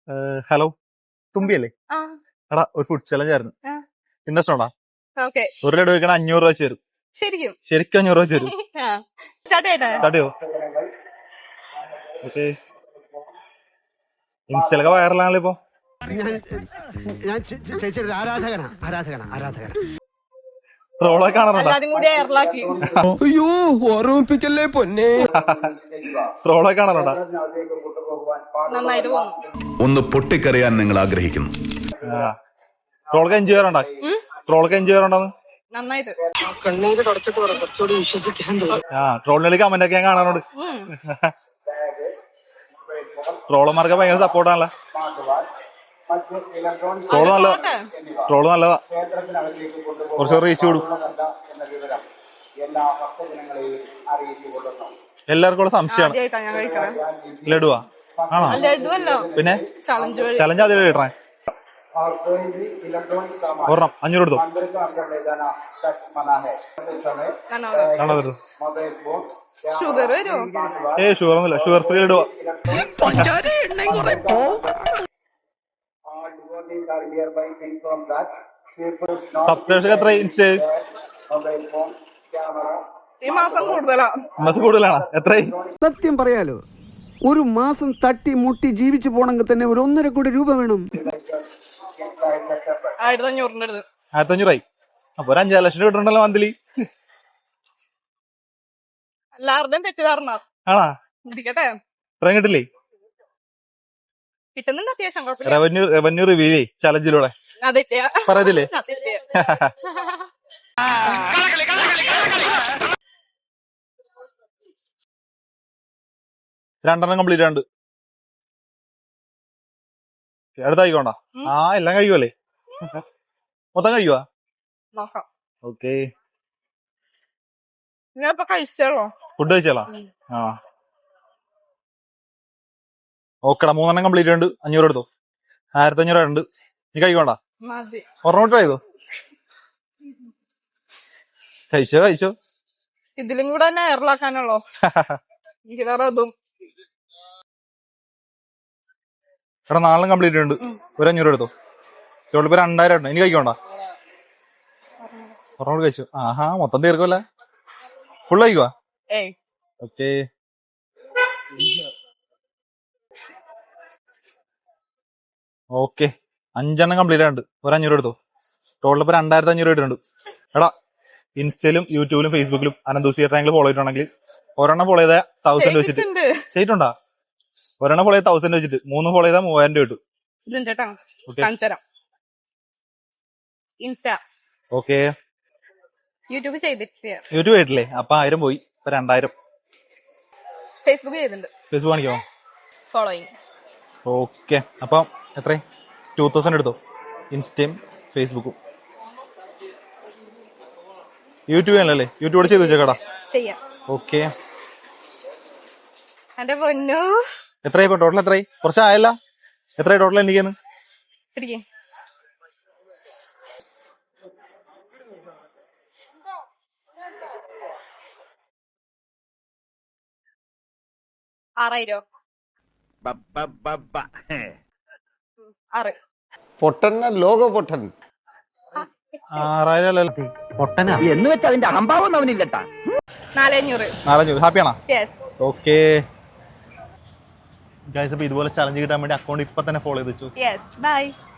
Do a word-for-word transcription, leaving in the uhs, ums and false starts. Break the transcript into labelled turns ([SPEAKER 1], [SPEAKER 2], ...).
[SPEAKER 1] Hello, തുമ്പിയല്ലേ?
[SPEAKER 2] ആ
[SPEAKER 1] എടാ, ഒരു ഫുഡ് ചലഞ്ച് ആയിരുന്നു.
[SPEAKER 2] ആ.
[SPEAKER 1] ഇൻട്രസ്റ്റ് ഉണ്ടോ?
[SPEAKER 2] ഓക്കെ.
[SPEAKER 1] ഒരു ലഡു കഴിക്കണ അഞ്ഞൂറ് രൂപ വെച്ച് തരും.
[SPEAKER 2] ശരിക്കും
[SPEAKER 1] ശരിക്കും അഞ്ഞൂറ് രൂപ വെച്ച് തരും.
[SPEAKER 2] ആ സ്റ്റാർട്ട് ചെയ്യട്ടെ?
[SPEAKER 1] തടിയോ? ഓക്കെ. ഇൻസ്റ്റലൊക്കെ വൈറലാണല്ലോ ഇപ്പൊ.
[SPEAKER 3] ഞാൻ ചേച്ചിയുടെ ഒരു ആരാധകനാ ആരാധകനാ ആരാധകനാ
[SPEAKER 1] ട്രോളൊക്കെ കാണാറുണ്ടോ?
[SPEAKER 2] എല്ലാരും കൂടി എയർലാക്കി.
[SPEAKER 3] അയ്യോ ഓർമ്മിപ്പിക്കല്ലേ പൊന്നെ.
[SPEAKER 1] ട്രോളൊക്കെ കാണാറുണ്ടോ?
[SPEAKER 2] നന്നായിട്ട് പോകുന്നു.
[SPEAKER 4] ഒന്ന് പൊട്ടിക്കറിയാൻ നിങ്ങൾ ആഗ്രഹിക്കുന്നു.
[SPEAKER 1] ട്രോളൊക്കെ എൻജോയ് ചെയ്യാറുണ്ടോ? ട്രോളൊക്കെ എൻജോയ് ചെയ്യാറുണ്ടോന്ന്?
[SPEAKER 2] നന്നായിട്ട്.
[SPEAKER 3] കണ്ണീര് തുടച്ചിട്ട് കുറച്ചുകൂടി വിശ്വസിക്കാൻ തോന്നുന്നു.
[SPEAKER 1] ആ ട്രോളിന് കമന്റ് ഒക്കെ ഞാൻ കാണാറുണ്ട്. ട്രോളന്മാർക്ക് ഭയങ്കര സപ്പോർട്ടാണല്ലോ. ട്രോള് നല്ലതാ, ട്രോള് നല്ലതാ. കുറച്ച് റീച്ച് കൂടും. എല്ലാവർക്കും ഉള്ള സംശയമാണ്.
[SPEAKER 2] ആദ്യമായിട്ടാ ഞാൻ കഴിക്കണേ.
[SPEAKER 1] ലഡുവാ? ആണോ?
[SPEAKER 2] ലഡുവല്ലോ,
[SPEAKER 1] പിന്നെ
[SPEAKER 2] ചലഞ്ച് വഴി.
[SPEAKER 1] ചലഞ്ച് ആദ്യം കിട്ടണേ. ഒരെണ്ണം അഞ്ഞൂറ് എടുത്തോ. കാണാതെടുത്തു.
[SPEAKER 2] ഷുഗർ വരുമോ?
[SPEAKER 1] ഏ ഷുഗർ ഒന്നുമില്ല, ഷുഗർ ഫ്രീ ലഡുവാ. സബ്സ്ക്രൈബേഴ്സ് എത്ര ഇൻസ്റ്റ?
[SPEAKER 2] ഈ മാസം കൂടുതലാ.
[SPEAKER 1] മാസം കൂടുതലാണോ? എത്രയായി?
[SPEAKER 3] സത്യം പറയാലോ, ഒരു മാസം തട്ടി മുട്ടി ജീവിച്ചു പോണെങ്കിൽ തന്നെ ഒരു ഒന്നര കോടി രൂപ വേണം.
[SPEAKER 2] ആയിരത്തി അഞ്ഞൂറിന്റെ അടുത്ത്.
[SPEAKER 1] ആയിരത്തി അഞ്ഞൂറായി. അപ്പൊ ഒരു അഞ്ചാറ് ലക്ഷം കിട്ടണ്ടല്ലോ മന്ത്ലി.
[SPEAKER 2] എല്ലാവരുടെയും തെറ്റിദ്ധാരണ.
[SPEAKER 1] ആണാ?
[SPEAKER 2] ഇരിക്കട്ടെ,
[SPEAKER 1] ഇത്രയും കിട്ടില്ലേ?
[SPEAKER 2] കിട്ടുന്നുണ്ട് അത്യാവശ്യം. കുഴപ്പമില്ല.
[SPEAKER 1] റവന്യൂ റവന്യൂ റിവ്യൂ ചലഞ്ചിലൂടെ
[SPEAKER 2] അതെറ്റിയാ
[SPEAKER 1] പറയത്തില്ലേ? രണ്ടെണ്ണം കംപ്ലീറ്റ് ഉണ്ട്. അടുത്ത കഴിക്കണ്ട. ആ എല്ലാം കഴിക്കുമല്ലേ? മൊത്തം കഴിക്കുവാ?
[SPEAKER 2] നോക്കാം.
[SPEAKER 1] ഓക്കെ.
[SPEAKER 2] ഞാൻ ഇപ്പൊ കഴിച്ചോളൂ.
[SPEAKER 1] ഫുഡ് കഴിച്ചാലോ? ആ ഓക്കെടാ. മൂന്നെണ്ണം കംപ്ലീറ്റ് ഉണ്ട്. അഞ്ഞൂറ് എടുത്തോ. ആയിരത്തി അഞ്ഞൂറ് ഉണ്ട്. നീ കഴിക്കണ്ട?
[SPEAKER 2] മതി.
[SPEAKER 1] ഒരെണ്ണം ട്രൈ ചെയ്തോ. കഴിച്ചോ കഴിച്ചോ.
[SPEAKER 2] ഇതിലും കൂടെ തന്നെ എയർലാക്കാനുള്ളോ? അതും
[SPEAKER 1] എടാ, നാലെണ്ണം കംപ്ലീറ്റ് ഉണ്ട്. ഒരു അഞ്ഞൂറ് എടുത്തോ. ഇപ്പൊ രണ്ടായിരം ഉണ്ട്. ഇനി കഴിക്കണ്ട? ഒരെണ്ണം കൂടെ കഴിച്ചു. ആഹാ, മൊത്തം തീർക്കുമല്ലേ? ഫുള്ള് കഴിക്കുവാ?
[SPEAKER 2] ഏയ്
[SPEAKER 1] ഓക്കെ. ഓക്കെ, അഞ്ചെണ്ണം കംപ്ലീറ്റ് ആയിട്ടുണ്ട്. ഒരു അഞ്ഞൂറ് എടുത്തോ. ടോട്ടൽ ഇപ്പൊ രണ്ടായിരത്തി അഞ്ഞൂറ് ഇട്ടുണ്ട്. എടാ, ഇൻസ്റ്റയിലും യൂട്യൂബിലും ഫേസ്ബുക്കിലും അനന്തൂസിയ ട്രാങ്കിൾ ഫോളോ ചെയ്തിട്ടുണ്ടെങ്കിൽ ഒരെണ്ണം ഫോളോ ചെയ്താൽ തൗസൻഡ് വെച്ചിട്ട് ചെയ്തിട്ടുണ്ടാ? ഒരെണ്ണം ഫോളോ ചെയ്താൽ തൗസൻഡ് വെച്ചിട്ട്, മൂന്ന് ഫോളോ ചെയ്താൽ മൂവായിരം രൂപ കിട്ടും.
[SPEAKER 2] Insta
[SPEAKER 1] okay.
[SPEAKER 2] യൂട്യൂബ് ചെയ്തിട്ടില്ല.
[SPEAKER 1] യൂട്യൂബ് ആയിട്ടില്ലേ? അപ്പൊ ആയിരം പോയി. ഇപ്പൊ രണ്ടായിരം.
[SPEAKER 2] ഫേസ്ബുക്ക് ചെയ്തിട്ടുണ്ട്.
[SPEAKER 1] ഫേസ്ബുക്ക് കാണിക്കോ?
[SPEAKER 2] ഫോളോയിങ്.
[SPEAKER 1] ഓക്കെ. അപ്പൊ എത്ര? ടൂ തൗസൻഡ് എടുത്തോ. ഇൻസ്റ്റയും ഫേസ്ബുക്കും. യൂട്യൂബ് ആണല്ലേ? യൂട്യൂബ് ചെയ്ത് വെച്ചേക്കടാ.
[SPEAKER 2] ചെയ്യാം.
[SPEAKER 1] ഓക്കെ.
[SPEAKER 2] എന്റെ പൊന്നു,
[SPEAKER 1] എത്രയായി ഇപ്പൊ ടോട്ടൽ? എത്രയായി? കുറച്ചായല്ല? എത്രയായി ടോട്ടൽ? എനിക്കെന്ന്
[SPEAKER 2] ആറായിരം. ആറ്.
[SPEAKER 3] പൊട്ടന്ന ലോക പൊട്ടൻ.
[SPEAKER 1] ആറായിരം അല്ലല്ലോ.
[SPEAKER 3] പൊട്ടനാ എന്ന് വെച്ചാൽ അതിന്റെ അഹംഭാവം അവനില്ലട്ടാ.
[SPEAKER 2] നാലഞ്ഞൂറ്.
[SPEAKER 1] നാലഞ്ഞൂറ്. ഹാപ്പിയാണോ?
[SPEAKER 2] യെസ്.
[SPEAKER 1] ഓക്കെ ഗൈസ്, അപ്പൊ ഇതുപോലെ ചലഞ്ച് കിട്ടാൻ വേണ്ടി അക്കൗണ്ട് ഇപ്പൊ തന്നെ ഫോളോ ചെയ്ത് വെച്ചു.
[SPEAKER 2] യെസ്. ബൈ.